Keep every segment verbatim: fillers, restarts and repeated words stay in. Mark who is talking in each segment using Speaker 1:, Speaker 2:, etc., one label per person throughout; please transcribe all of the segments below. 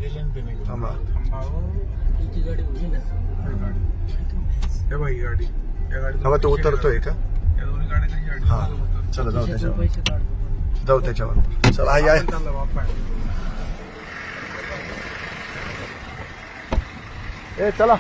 Speaker 1: थांबा
Speaker 2: गाडी होती ना
Speaker 1: हे बाई गाडी या गाडी
Speaker 3: थांबा तो उतरतोय का
Speaker 1: या दोन्ही गाड्या गाडी
Speaker 3: हा चला जाऊ त्याच्यावर
Speaker 2: पैसे काढतो
Speaker 3: जाऊ त्याच्यावर चला आई आहे
Speaker 1: चालला बाप्पा
Speaker 3: ए चला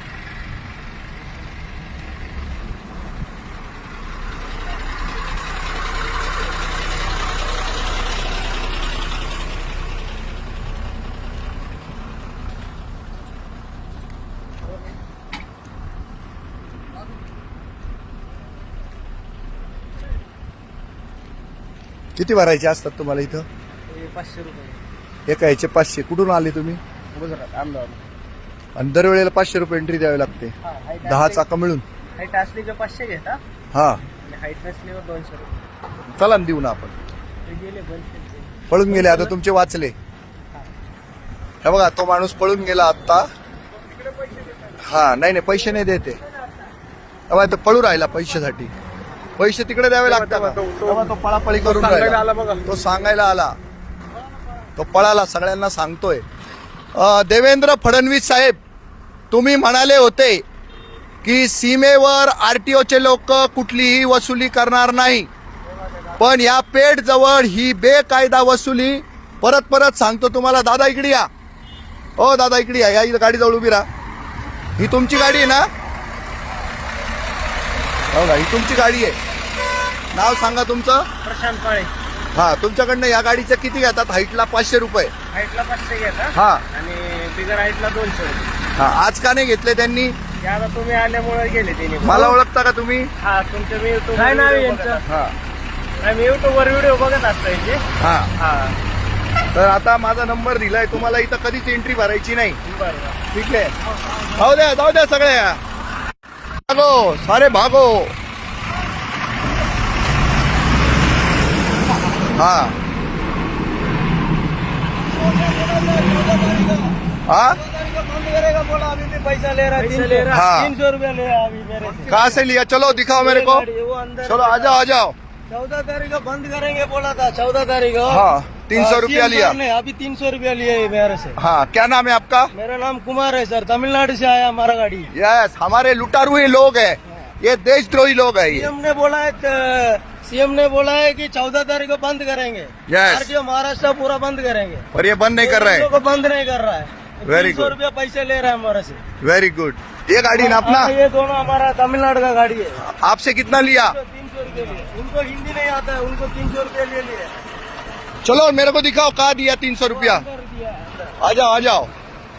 Speaker 3: किती भरायचे असतात तुम्हाला इथं
Speaker 2: पाचशे रुपये
Speaker 3: एका ह्याचे पाचशे कुठून आले तुम्ही
Speaker 2: गुजरात अहमदाबाद
Speaker 3: आणि दरवेळेला पाचशे रुपये एंट्री द्यावी लागते दहा चाका मिळून
Speaker 2: हाईट असली का पाचशे घेता
Speaker 3: हा
Speaker 2: आणि हाईट नसल्यावर दोनशे रुपये
Speaker 3: चला ना देऊ ना आपण
Speaker 2: ते गेले बंद केले.
Speaker 3: पळून गेले आता तुमचे वाचले हे बघा तो माणूस पळून गेला आता हा नाही नाही पैसे नाही देते तेव्हा तो पळू राहिला पैशासाठी पैसे तिकडे द्यावे लागतात
Speaker 1: तेव्हा तो-
Speaker 3: तेव्हा तो पळापळी करून
Speaker 1: सांगायला
Speaker 3: राहिला.
Speaker 1: आला बघा.
Speaker 3: तो सांगायला आला तो पळाला सगळ्यांना सांगतोय अं, देवेंद्र फडणवीस साहेब तुम्ही म्हणाले होते की सीमेवर आरटीओचे लोक कुठलीही वसुली करणार नाही पण या पेठ जवळ ही बेकायदा वसुली परत परत सांगतो तुम्हाला दादा इकडे या ओ दादा इकडे या या इथं गाडी जवळ उभी राहा ही तुमची गाडी आहे ना हो ना ही तुमची गाडी आहे नाव सांगा तुमचं
Speaker 2: प्रशांत काळे
Speaker 3: हा तुमच्याकडनं या गाडीचं किती घेतात हाईटला पाचशे रुपये
Speaker 2: हाईटला पाचशे घेता
Speaker 3: हा
Speaker 2: आणि बिगर हाईटला दोनशे रुपये
Speaker 3: हा आज का नाही घेतले त्यांनी
Speaker 2: ते आता तुम्ही आल्यामुळे गेले तिने
Speaker 3: मला ओळखता का तुम्ही
Speaker 2: हा तुमच्या मी युट्यूब काय नाव यांचं
Speaker 3: हा
Speaker 2: मी युट्यूब वर व्हिडिओ बघत असतो यांचे
Speaker 3: हा
Speaker 2: हा
Speaker 3: तर आता माझा नंबर दिलाय तुम्हाला इथं कधीच एंट्री भरायची नाही
Speaker 2: बरं
Speaker 3: ठीक आहे जाऊ द्या जाऊ द्या सगळ्या भागो सारे भागो हा हा
Speaker 2: बंद करेगा बोला अभी भी पैसा ले रहा है ले रहा
Speaker 3: हाँ।
Speaker 2: तीन सौ रुपया ले रहा है अभी मेरे से
Speaker 3: कहाँ से लिया चलो दिखाओ मेरे को
Speaker 2: वो अंदर
Speaker 3: चलो आ जाओ आ जाओ
Speaker 2: चौदह तारीख को बंद करेंगे बोला था चौदह तारीख को
Speaker 3: हाँ तीन सौ रुपया
Speaker 2: सीएम
Speaker 3: लिया
Speaker 2: साहब ने अभी तीन सौ रुपया लिए है मेरे से
Speaker 3: हाँ क्या नाम है आपका
Speaker 2: मेरा नाम कुमार है सर तमिलनाडु से आया हमारा गाड़ी
Speaker 3: यस हमारे लुटारू ही लोग हैं ये देशद्रोही लोग हैं ये
Speaker 2: सीएम ने बोला है सीएम ने बोला है कि चौदह तारीख को बंद करेंगे
Speaker 3: Yes.
Speaker 2: आरटीओ महाराष्ट्र पूरा बंद करेंगे
Speaker 3: और ये बंद नहीं कर रहे
Speaker 2: इन लोगों को बंद नहीं कर रहा है
Speaker 3: Very
Speaker 2: तीन सौ
Speaker 3: good.
Speaker 2: रुपया पैसे ले रहा है हमारे से
Speaker 3: वेरी गुड ये गाड़ी ना अपना
Speaker 2: हाँ, ये दोनों हमारा तमिलनाडु का गाड़ी है
Speaker 3: आपसे कितना लिया
Speaker 2: तीन सौ रुपये लिए उनको हिंदी नहीं आता है उनको तीन सौ रुपये ले लिए
Speaker 3: चलो मेरे को दिखाओ कहा दिया तीन सौ रुपया
Speaker 2: अंदर दिया है, अंदर।
Speaker 3: आ जाओ आ जाओ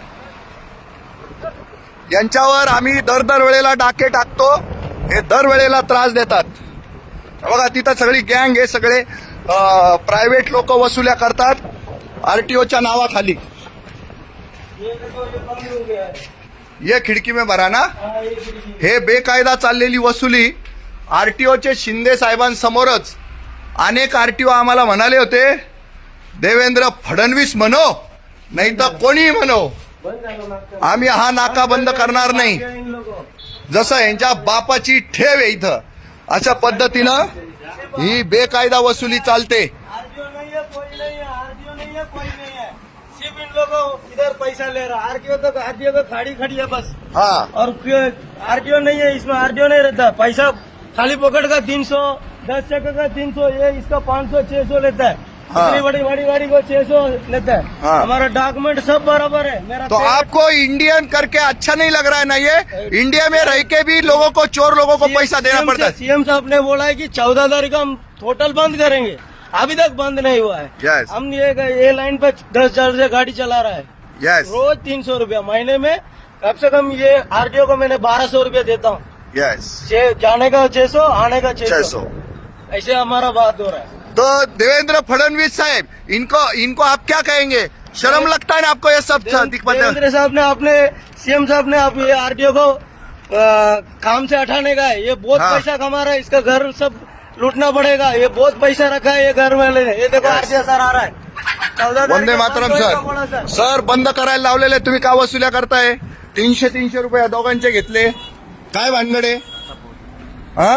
Speaker 3: यांच्यावर आम्ही दर दर वेळेला डाके टाकतो हे दर वेळेला त्रास देतात बघा तिथं सगळी गँग हे सगळे प्रायव्हेट लोक वसुल्या करतात आरटीओच्या नावाखाली
Speaker 2: ये देखो ये बंद हो गया है
Speaker 3: ये खिडकी में भरा ना
Speaker 2: हाँ, ये खिड़की।
Speaker 3: हे बेकायदा चाललेली वसुली आरटीओचे शिंदे साहेबांसमोरच अनेक आरटीओ आम्हाला म्हणाले होते देवेंद्र फडणवीस म्हणो नाही तर कोणी म्हणो
Speaker 2: बंद करो नाका।
Speaker 3: आम्ही हा नाका बंद करणार नाही
Speaker 2: इन लोगों
Speaker 3: जसं यांच्या बापाची ठेव आहे इथं अशा पद्धतीनं ही बेकायदा वसुली चालते
Speaker 2: आरटीओ नहीं है कोई नहीं है आरटीओ नहीं है कोई नहीं है सिर्फ इन लोगों इधर पैसा ले रहा है आरटीओ तो आरटीओ को खाड़ी खड़ी है बस
Speaker 3: हा
Speaker 2: और आरटीओ नहीं है इसमें आरटीओ नहीं रहता पैसा खाली पकड़ का तीन सौ दस चक्कर का तीन सौ ये इसका पाँच सौ छह सौ लेता है
Speaker 3: हाँ।
Speaker 2: इतनी बड़ी बड़ी गाड़ी को छह सौ लेता है
Speaker 3: हाँ।
Speaker 2: हमारा डॉक्यूमेंट सब बराबर है मेरा
Speaker 3: तो
Speaker 2: पेपर-
Speaker 3: आपको इंडियन करके अच्छा नहीं लग रहा है ना ये इंडिया में रह के भी लोगों को चोर लोगों को पैसा देना पड़ता है
Speaker 2: सीएम साहब ने बोला है कि चौदह तारीख को हम टोटल बंद करेंगे अभी तक बंद नहीं हुआ है
Speaker 3: Yes.
Speaker 2: हम ये ये लाइन पे दस हजार से गाड़ी चला रहा है
Speaker 3: यस
Speaker 2: रोज तीन सौ रूपया महीने में कम से कम ये आरटीओ को मैंने बारह सौ रूपया देता हूँ
Speaker 3: यस
Speaker 2: छह- जाने का छह सौ आने का
Speaker 3: छह
Speaker 2: छह
Speaker 3: सौ
Speaker 2: सौ ऐसे हमारा बात हो रहा है
Speaker 3: तो देवेंद्र फडणवीस साहब इनको इनको आप क्या कहेंगे शर्म लगता है ना आपको ये सब दिख-
Speaker 2: देवेंद्र साहब ने अपने सीएम साहब ने अब ये आरटीओ को आ, काम से हटाने का है ये बहुत
Speaker 3: हाँ।
Speaker 2: पैसा कमा रहा है इसका घर सब लूटना पड़ेगा ये बहुत पैसा रखा है ये घर वाले ने ये देखो
Speaker 3: Yes.
Speaker 2: आरटीओ सर आ रहा है चौदह तारीख
Speaker 3: वंदे
Speaker 2: को
Speaker 3: मातरम
Speaker 2: बंद होएगा बोला
Speaker 3: सर सर बंद करायला लावलेले तुम्ही का वसुल्या करताय तीनशे तीनशे रुपये या दोघांचे घेतले काय भानगडे हा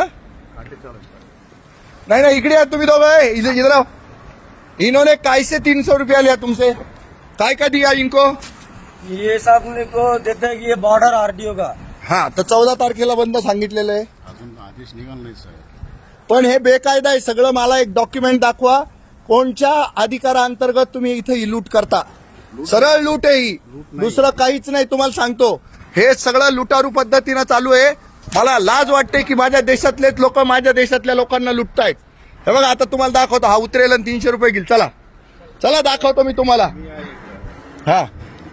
Speaker 3: नहीं नहीं इकडे या तुम्ही दोघं इधर इधर आओ. इन्होंने कैसे तीन सौ रुपया लिया तुमसे काय का दिया इनको?
Speaker 2: ये साहब ने को देते हैं कि ये बॉर्डर आरटीओ का।
Speaker 3: हा, तर चौदा तारखेला बंद सांगितलेलं आहे,
Speaker 4: अजून आदेश निघाला नाही साहेब.
Speaker 3: पण हे बेकायदा आहे सगळं. मला एक डॉक्युमेंट दाखवा, कोणत्या अधिकाराअंतर्गत तुम्ही इथं ही लूट करता. सरळ लूट आहे ही, दुसरं काहीच नाही. तुम्हाला सांगतो, हे सगळं लुटारू पद्धतीनं चालू आहे. मला लाज वाटते की माझ्या देशातलेच लोक माझ्या देशातल्या लोकांना लुटतायत. हे बघा, आता तुम्हाला दाखवतो. हा उतरेल आणि तीनशे रुपये घेईल. चला चला दाखवतो मी तुम्हाला. हा,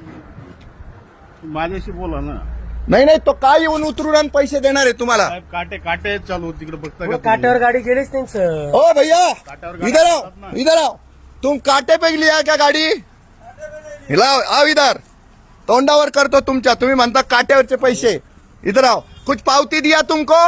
Speaker 4: माझ्याशी बोला ना
Speaker 3: नाही नाही, तो काय येऊन उतरून आणि पैसे देणार आहे तुम्हाला.
Speaker 4: साहेब. काटे काटे चालू तिकडे बघता का
Speaker 2: वो
Speaker 4: तुम्ही?
Speaker 2: काट्यावर गाडी गेलीच नाही सर।
Speaker 3: ओ भैया,
Speaker 4: काट्यावर गाडी
Speaker 3: इधर आओ,
Speaker 4: असतात ना.
Speaker 3: इधर आओ. तुम काटे पे लिया क्या गाडी? हिलाओ, आओ इधर. तोंडावर करतो तुमच्या. तुम्ही म्हणता काट्यावरचे पैसे. इधर आओ. कुछ पावती दिया तुमको?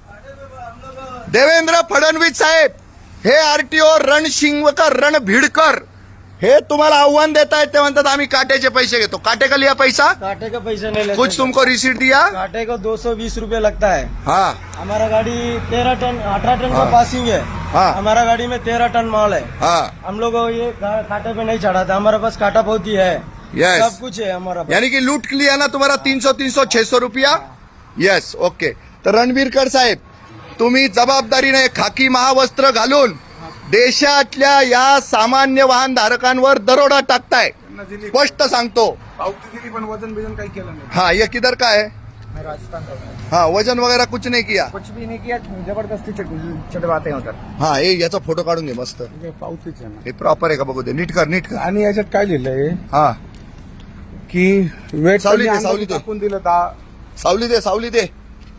Speaker 3: देवेंद्र फडणवीस साहेब, हे आरटीओ रणशिंगकर रणभिडकर हे तुम्हाला आव्हान देत आहेत. ते म्हणतात आम्ही काट्याचे पैसे घेतो. काटे का लिया पैसा?
Speaker 2: काटे का पैसा नहीं लेते।
Speaker 3: कुछ तुमको रिसीट दिया?
Speaker 2: काटे को दो सौ बीस रूपये लगता है।
Speaker 3: हाँ
Speaker 2: हमारा गाड़ी तेरह टन अठारह टन
Speaker 3: हाँ।
Speaker 2: का पासिंग है।
Speaker 3: हाँ।
Speaker 2: हमारा गाड़ी में तेरह टन माल है।
Speaker 3: हाँ,
Speaker 2: हम लोग को ये का- काटे पे नहीं चढ़ाता। हमारे पास काटा बहुत ही है।
Speaker 3: Yes.
Speaker 2: सब कुछ है हमारा पास।
Speaker 3: यानी कि लूट लिया ना तुम्हारा तीन सौ तीन सौ छह सौ रुपया. Yes, okay. तर रणबीरकर साहेब, तुम्ही जबाबदारीने खाकी महावस्त्र घालून देशातल्या या सामान्य वाहन धारकांवर दरोडा टाकताय.
Speaker 1: त्यांना दिली
Speaker 3: स्पष्ट सांगतो.
Speaker 1: पावती दिली पण वजन बिजन काही केलं नाही.
Speaker 3: हाँ, ये किधर का है?
Speaker 1: मैं राजस्थान का हूँ।
Speaker 3: हाँ, वजन वगैरह कुछ नहीं किया.
Speaker 1: कुछ भी नहीं किया, जबरदस्ती छोटे बातें होतात.
Speaker 3: हाँ, हे याचा फोटो काढून घे मस्त.
Speaker 1: हे पावतीच आहे ना.
Speaker 3: हे प्रॉपर आहे का बघू दे. नीट कर, नीट कर.
Speaker 1: आणि याच्यात काय लिहिलंय
Speaker 3: हा,
Speaker 1: की वेट
Speaker 3: सावली दे,
Speaker 1: कमी
Speaker 3: सावली दे.
Speaker 1: टाकून दिलं दहा.
Speaker 3: सावली दे, सावली दे.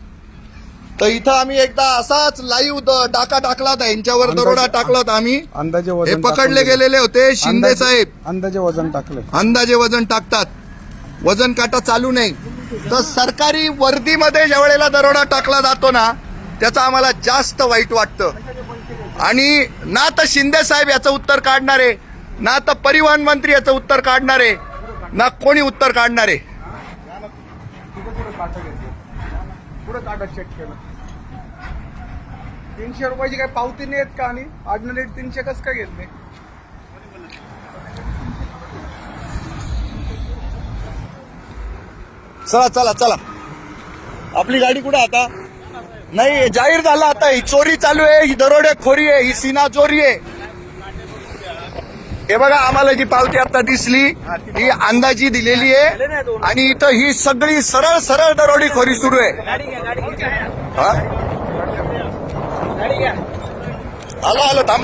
Speaker 3: तर इथं आम्ही एकदा असाच लाईव्ह डाका टाकला होता, यांच्यावर दरोडा टाकला होता आम्ही.
Speaker 1: अंदाजे
Speaker 3: हे
Speaker 1: वजन
Speaker 3: पकडले
Speaker 1: टाकून दिलं.
Speaker 3: गेलेले होते शिंदे
Speaker 1: अंदाजे-
Speaker 3: साहेब.
Speaker 1: अंदाजे वजन टाकलं.
Speaker 3: अंदाजे वजन टाकतात, वजन काटा चालू नाही. तर सरकारी वर्दीमध्ये ज्या वेळेला दरोडा टाकला जातो ना, त्याचं आम्हाला जास्त वाईट वाटतं. आणि ना तर शिंदे साहेब याचं उत्तर काढणारे, ना तर परिवहन मंत्री याचं उत्तर काढणारे, ना कोणी उत्तर काढणारे.
Speaker 1: पुढे काटा घेतलं, पुढे काटा चेक केलं. तीनशे रुपयाची काही पावती नाही येत का? आणि ऑर्डिनरी तीनशे कसं काय घेतले?
Speaker 3: चला चला चला, आपली गाडी कुठे आता? नाही, हे जाहीर झालं आता. ही चोरी चालू आहे, ही दरोडेखोरी आहे, ही सीना चोरी आहे. हे बघा, आम्हाला जी पावती आता दिसली ही अंदाजी दिलेली आहे. आणि इथं ही सगळी सरळ सरळ दरोडेखोरी सुरू आहे. हा? आलो आलो, थांबा.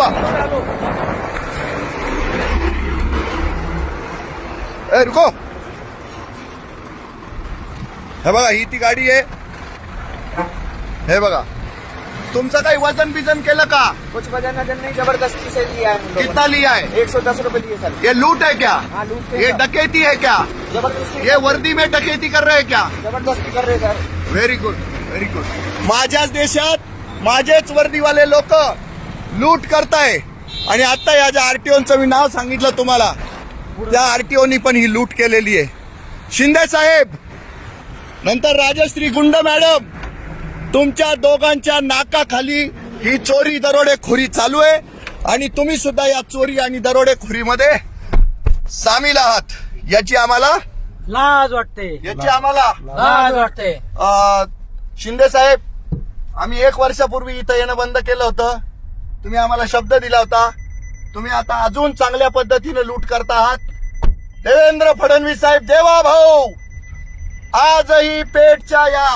Speaker 3: ए रुको. हे बघा, ही ती गाडी आहे. हे बघा, तुमचं काही वजन बिजन केलं का?
Speaker 1: कुछ वजन वजन नहीं, जबरदस्ती से लिया है हम लोगों
Speaker 3: कितना लिया है?
Speaker 1: ने। एक सौ दस रुपए लिए सर।
Speaker 3: ये लूट है क्या?
Speaker 1: हाँ, लूट के
Speaker 3: ये
Speaker 1: सर।
Speaker 3: डकैती है क्या?
Speaker 1: जबरदस्ती
Speaker 3: ये वर्दी में डकैती कर रहे हैं क्या?
Speaker 1: जबरदस्ती कर रहे sir.
Speaker 3: Very good, very good. माझ्याच देशात माझेच वर्दीवाले लोक लूट करताय. आणि आता या ज्या आरटीओचं मी नाव सांगितलं तुम्हाला, त्या आरटीओनी पण ही लूट केलेली आहे. शिंदे साहेब, नंतर राजश्री गुंड मॅडम, तुमच्या दोघांच्या नाकाखाली ही चोरी दरोडेखोरी चालू आहे. आणि तुम्ही सुद्धा या चोरी आणि दरोडेखोरीमध्ये सामील आहात. याची आम्हाला
Speaker 2: लाज वाटते,
Speaker 3: याची आम्हाला
Speaker 2: लाज वाटते.
Speaker 3: अ, शिंदे साहेब, आम्ही एक वर्षापूर्वी इथं येणं बंद केलं होतं. तुम्ही आम्हाला शब्द दिला होता. तुम्ही आता अजून चांगल्या पद्धतीने लूट करता आहात. देवेंद्र फडणवीस साहेब, देवा भाऊ, आजही पेठच्या या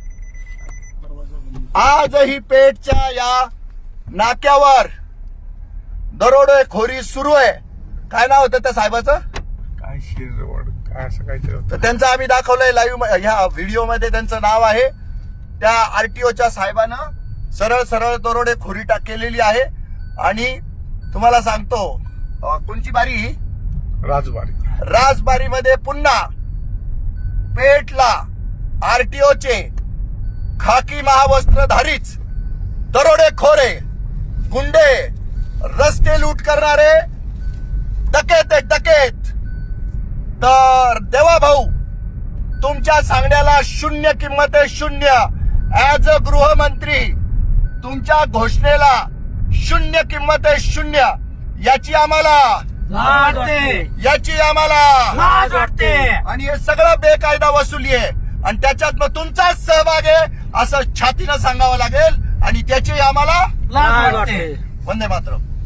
Speaker 3: आजही पेठच्या या नाक्यावर दरोडेखोरी सुरू आहे. काय नाव होतं त्या साहेबाचं?
Speaker 1: काय शिरवड, काय असं काहीतरी होतं.
Speaker 3: तर त्यांचं आम्ही दाखवलंय लाईव्ह ह्या व्हिडिओमध्ये. त्यांचं नाव आहे. त्या आरटीओच्या साहेबानं सरळ सरळ दरोडेखोरी टाक केलेली आहे. आणि तुम्हाला सांगतो, अ, कोणची बारी ही?
Speaker 1: राजबारी.
Speaker 3: राजबारीमध्ये पुन्हा पेठला आरटीओचे खाकी महावस्त्रधारीच दरोडेखोरे, गुंडे, रस्ते लूट करणारे डकेत आहेत, डकेत. तर देवा भाऊ, तुमच्या सांगण्याला शून्य किंमत आहे, शून्य. ऍज अ गृहमंत्री तुमच्या घोषणेला शून्य किंमत आहे, शून्य. याची आम्हाला
Speaker 2: लाज वाटते,
Speaker 3: याची आम्हाला
Speaker 2: लाज वाटते.
Speaker 3: आणि हे सगळं बेकायदा वसुली आहे आणि त्याच्यात मग तुमचाच सहभाग आहे असं छातीनं सांगावं लागेल आणि त्याची आम्हाला
Speaker 2: लाज वाटते.
Speaker 3: वंदे मातरम.